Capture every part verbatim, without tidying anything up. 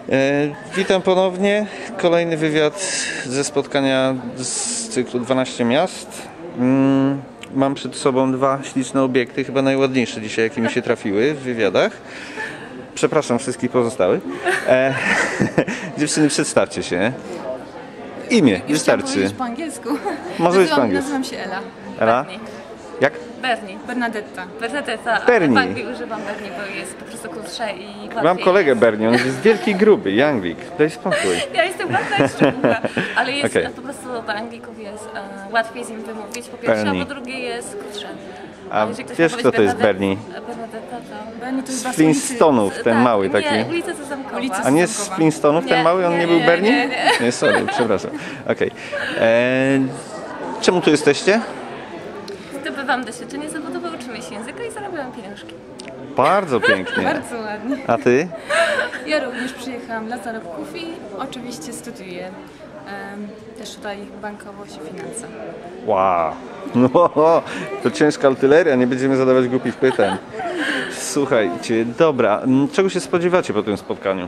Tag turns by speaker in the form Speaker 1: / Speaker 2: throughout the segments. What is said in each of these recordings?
Speaker 1: Witam ponownie. Kolejny wywiad ze spotkania z cyklu dwanaście miast. Mam przed sobą dwa śliczne obiekty, chyba najładniejsze dzisiaj, jakie mi się trafiły w wywiadach. Przepraszam wszystkich pozostałych. E, dziewczyny, przedstawcie się. Imię,
Speaker 2: Już
Speaker 1: wystarczy.
Speaker 2: Po angielsku.
Speaker 1: Może być po angielsku.
Speaker 2: Nazywam się Ela.
Speaker 1: Ela?
Speaker 3: Bernie.
Speaker 1: Jak?
Speaker 3: Bernie.
Speaker 2: Bernadetta.
Speaker 3: Bernadetta.
Speaker 1: Bernie.
Speaker 3: W Anglii używam Bernie, bo jest po prostu krótsze i łatwiej.
Speaker 1: Mam kolegę Bernie, on jest wielki, gruby, Jangwik. Daj spokój.
Speaker 3: Ja jestem ładna i szczególna, ale jest
Speaker 1: Okay.
Speaker 3: po prostu dla Anglików jest uh, łatwiej z nim wymówić, po pierwsze,
Speaker 1: Bernie.
Speaker 3: a po drugie jest krótsze.
Speaker 1: A
Speaker 3: jeżeli ktoś
Speaker 1: wiesz,
Speaker 3: ma
Speaker 1: kto to jest
Speaker 3: Bernadette-
Speaker 1: Bernie?
Speaker 3: Bernadetta to...
Speaker 2: Bernie to jest
Speaker 1: Z
Speaker 2: was
Speaker 1: Flintstonów, ten
Speaker 3: tak,
Speaker 1: mały taki.
Speaker 3: Nie, ulica Sezamkowa.
Speaker 2: Ulica
Speaker 1: A nie z Flintstonów, ten
Speaker 3: Nie,
Speaker 1: mały? On nie,
Speaker 3: nie,
Speaker 1: był
Speaker 3: nie,
Speaker 1: Bernie?
Speaker 3: nie, nie.
Speaker 1: Nie, sorry, przepraszam. Okej. Okay. Czemu tu jesteście?
Speaker 3: Zdobywam doświadczenie zawodowe, uczymy się języka i zarabiam pieniążki.
Speaker 1: Bardzo pięknie.
Speaker 2: Bardzo ładnie.
Speaker 1: A ty?
Speaker 2: Ja również przyjechałam dla zarobków i oczywiście studiuję em, też tutaj bankowość i finanse.
Speaker 1: Wow. No, to ciężka artyleria, nie będziemy zadawać głupich pytań. Słuchajcie, dobra. Czego się spodziewacie po tym spotkaniu?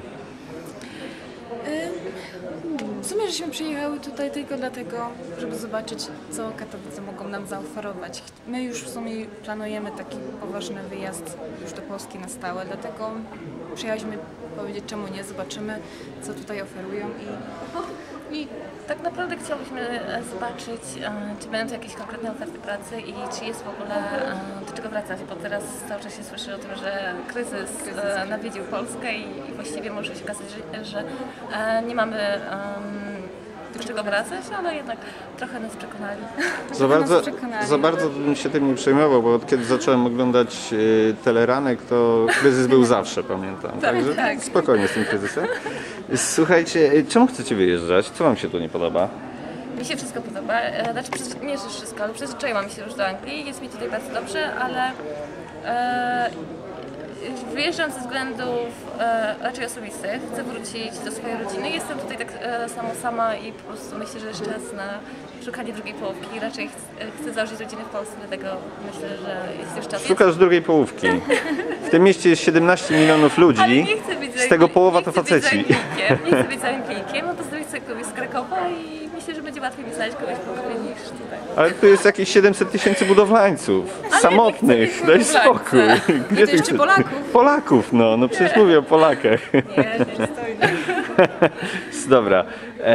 Speaker 2: W sumie, żeśmy przyjechały tutaj tylko dlatego, żeby zobaczyć, co Katowice mogą nam zaoferować. My już w sumie planujemy taki poważny wyjazd już do Polski na stałe, dlatego przyjechaliśmy powiedzieć, czemu nie, zobaczymy, co tutaj oferują i, i
Speaker 3: Tak naprawdę chciałyśmy e, zobaczyć, e, czy będą tu jakieś konkretne oferty pracy i czy jest w ogóle e, do czego wracać, bo teraz cały czas się słyszy o tym, że kryzys e, nawiedził Polskę i, i właściwie może się okazać, że, że e, nie mamy em, do czego wracać, ale jednak trochę nas przekonali.
Speaker 1: Za bardzo,
Speaker 2: przekonali.
Speaker 1: za bardzo bym się tym nie przejmował, bo od kiedy zacząłem oglądać y, teleranek, to kryzys był zawsze, pamiętam. Także
Speaker 2: tak.
Speaker 1: spokojnie z tym kryzysem. Słuchajcie, y, czemu chcecie wyjeżdżać? Co wam się tu nie podoba?
Speaker 3: Mi się wszystko podoba, e, znaczy przyzwy- nie że wszystko, ale przyzwyczaiłam się już do Anglii, jest mi tutaj bardzo dobrze, ale e, wyjeżdżam ze względów e, raczej osobistych, chcę wrócić do swojej rodziny, jestem tutaj tak e, samo sama i po prostu myślę, że jest czas na szukanie drugiej połówki, raczej ch chcę założyć rodzinę w Polsce, dlatego myślę, że jest już czas.
Speaker 1: Szukasz drugiej połówki. W tym mieście jest siedemnaście milionów
Speaker 3: Ale
Speaker 1: ludzi,
Speaker 3: nie chcę być
Speaker 1: z tego połowa
Speaker 3: nie
Speaker 1: to
Speaker 3: chcę być
Speaker 1: faceci.
Speaker 3: Anglikiem, Nie chcę być za Anglikiem, a pozdrowić sobie kogoś z Krakowa i myślę, że będzie łatwiej mi znaleźć kogoś w Krakowie niż tutaj.
Speaker 1: Ale tu jest jakieś siedemset tysięcy budowlańców,
Speaker 3: Ale
Speaker 1: samotnych,
Speaker 3: nie
Speaker 1: daj
Speaker 3: chcę być
Speaker 1: spokój.
Speaker 3: budowlańcem.
Speaker 1: Gdzie
Speaker 2: to jeszcze
Speaker 1: chcesz?
Speaker 2: Polaków.
Speaker 1: Polaków, no, no przecież mówię o Polakach.
Speaker 3: Nie, nie stoi.
Speaker 1: Dobra. E,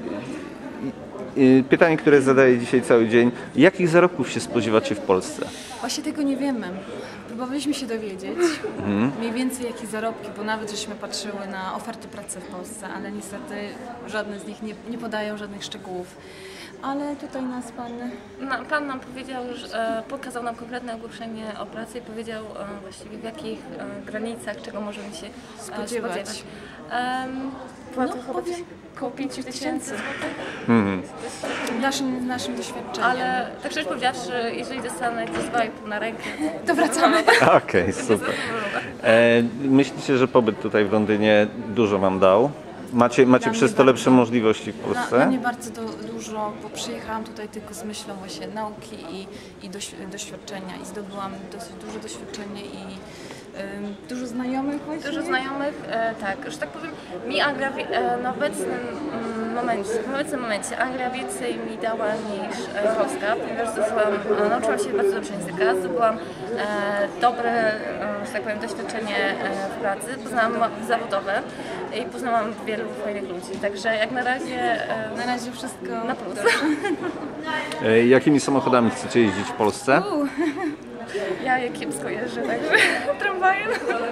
Speaker 1: y, pytanie, które zadaję dzisiaj cały dzień. Jakich zarobków się spodziewacie w Polsce?
Speaker 2: właśnie tego nie wiemy. Próbowaliśmy się dowiedzieć mniej więcej jakie zarobki, bo nawet żeśmy patrzyły na oferty pracy w Polsce, ale niestety żadne z nich nie, nie podają żadnych szczegółów. Ale tutaj nas pan...
Speaker 3: No, pan nam powiedział, że e, pokazał nam konkretne ogłoszenie o pracy i powiedział e, właściwie w jakich e, granicach, czego możemy się e,
Speaker 2: Spodziewać.
Speaker 3: spodziewać. Um,
Speaker 2: No, powiem, koło pięć tysięcy.
Speaker 1: Mhm.
Speaker 2: W naszym, w naszym doświadczeniu.
Speaker 3: Ale tak szczerze powiedziawszy, jeżeli dostanę jakieś dwa i pół na rękę,
Speaker 2: To wracamy.
Speaker 1: Okej, super. E, myślicie, że pobyt tutaj w Londynie dużo wam dał? Macie, macie
Speaker 2: Dla mnie
Speaker 1: przez to
Speaker 2: bardzo.
Speaker 1: lepsze możliwości w
Speaker 2: Dla, dla
Speaker 1: Polsce?
Speaker 2: mnie bardzo do, dużo, bo przyjechałam tutaj tylko z myślą właśnie nauki i, i doś, doświadczenia i zdobyłam dosyć duże doświadczenie i ym, dużo znajomych właśnie.
Speaker 3: dużo znajomych, e, tak, że tak powiem, mi Anglia wie- e, na obecnym mm, momencie, w obecnym momencie Anglia więcej mi dała niż e, Polska, ponieważ zdobyłam, e, nauczyłam się bardzo dobrze języka, zdobyłam e, dobre, e, że tak powiem, doświadczenie e, w pracy, poznałam ma- zawodowe i poznałam wielu fajnych ludzi, także jak na razie e,
Speaker 2: Na razie wszystko
Speaker 3: na plus.
Speaker 1: E, jakimi samochodami chcecie jeździć w Polsce?
Speaker 2: U,
Speaker 3: Ja je kiepsko jeżdżę, także tramwajem.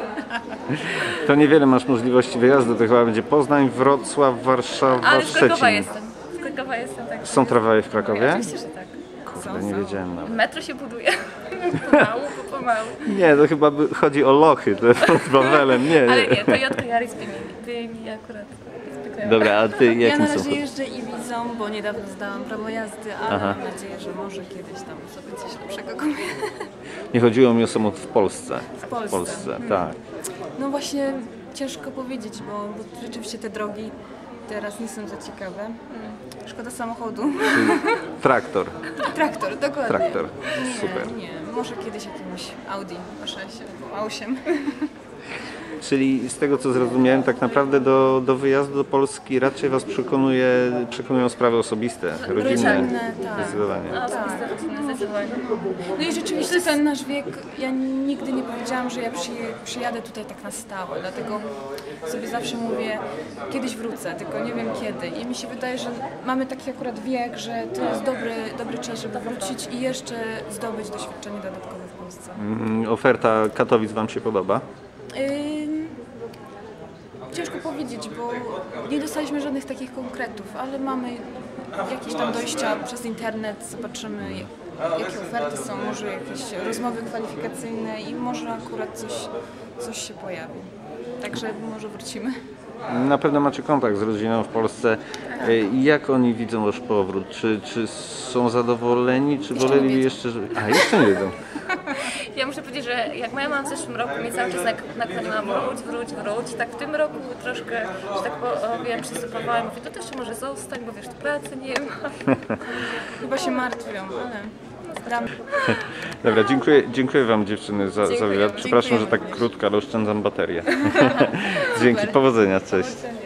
Speaker 1: To niewiele masz możliwości wyjazdu, to chyba będzie Poznań, Wrocław, Warszawa,
Speaker 3: Ale z Krakowa
Speaker 1: Szczecin.
Speaker 3: jestem, z Krakowa jestem, tak.
Speaker 1: Są tramwaje w Krakowie?
Speaker 3: Oczywiście, że tak.
Speaker 1: Kurde, nie wiedziałem nawet.
Speaker 3: Metro się buduje. Pomału, po pomału.
Speaker 1: Nie, to chyba by- chodzi o lochy, to pod Wawelem, nie.
Speaker 3: Ale nie, Toyota Yaris by mi, by mi akurat zwykle.
Speaker 1: Dobra, a ty
Speaker 2: ja
Speaker 1: jakim
Speaker 2: na razie
Speaker 1: samochodem?
Speaker 2: jeżdżę Ibizą, bo niedawno zdałam prawo jazdy, ale
Speaker 1: Aha.
Speaker 2: mam nadzieję, że może kiedyś tam sobie coś lepszego kupię.
Speaker 1: Nie chodziło mi o samochód w Polsce.
Speaker 2: W Polsce.
Speaker 1: W Polsce, tak.
Speaker 2: No właśnie ciężko powiedzieć, bo, bo rzeczywiście te drogi teraz nie są za ciekawe. Szkoda samochodu.
Speaker 1: Traktor,
Speaker 2: Traktor, dokładnie.
Speaker 1: traktor,
Speaker 2: Nie,
Speaker 1: super.
Speaker 2: nie, może kiedyś jakimś Audi A sześć albo A osiem.
Speaker 1: Czyli z tego co zrozumiałem, tak naprawdę do, do wyjazdu do Polski raczej Was przekonuje, przekonują sprawy osobiste, rodzinne.
Speaker 2: Rodzinne, tak.
Speaker 1: Zdecydowanie.
Speaker 3: A osobiste rodziny, zdecydowanie.
Speaker 2: No i rzeczywiście ten nasz wiek, ja nigdy nie powiedziałam, że ja przy, przyjadę tutaj tak na stałe, dlatego sobie zawsze mówię, kiedyś wrócę, tylko nie wiem kiedy. I mi się wydaje, że mamy taki akurat wiek, że to jest dobry, dobry czas, żeby wrócić i jeszcze zdobyć doświadczenie dodatkowe w Polsce.
Speaker 1: Mm, Oferta Katowic Wam się podoba?
Speaker 2: Ym, ciężko powiedzieć, bo nie dostaliśmy żadnych takich konkretów, ale mamy jakieś tam dojścia przez internet, zobaczymy jakie oferty są, może jakieś rozmowy kwalifikacyjne i może akurat coś, coś się pojawi. Także może wrócimy.
Speaker 1: Na pewno macie kontakt z rodziną w Polsce. Jak oni widzą Wasz powrót? Czy, czy są zadowoleni, czy
Speaker 2: Jeszcze
Speaker 1: woleli
Speaker 2: nie wiedzą.
Speaker 1: jeszcze, żeby... A, jeszcze nie wiedzą.
Speaker 3: Ja muszę powiedzieć, że jak moja mama w zeszłym roku mnie cały czas nak- nakłaniała wróć, wróć, wróć, tak w tym roku troszkę, że tak powiem, przysypowałam. Mówię, to też jeszcze może zostań, bo wiesz, tu pracy nie ma.
Speaker 2: Chyba się martwią, ale dam.
Speaker 1: Dobra, dziękuję, dziękuję Wam dziewczyny za, za
Speaker 3: Dziękujemy.
Speaker 1: wywiad. Przepraszam, że tak
Speaker 2: Dziękujemy.
Speaker 1: krótko, ale oszczędzam baterię. Dzięki, powodzenia, cześć.
Speaker 2: Powodzenia.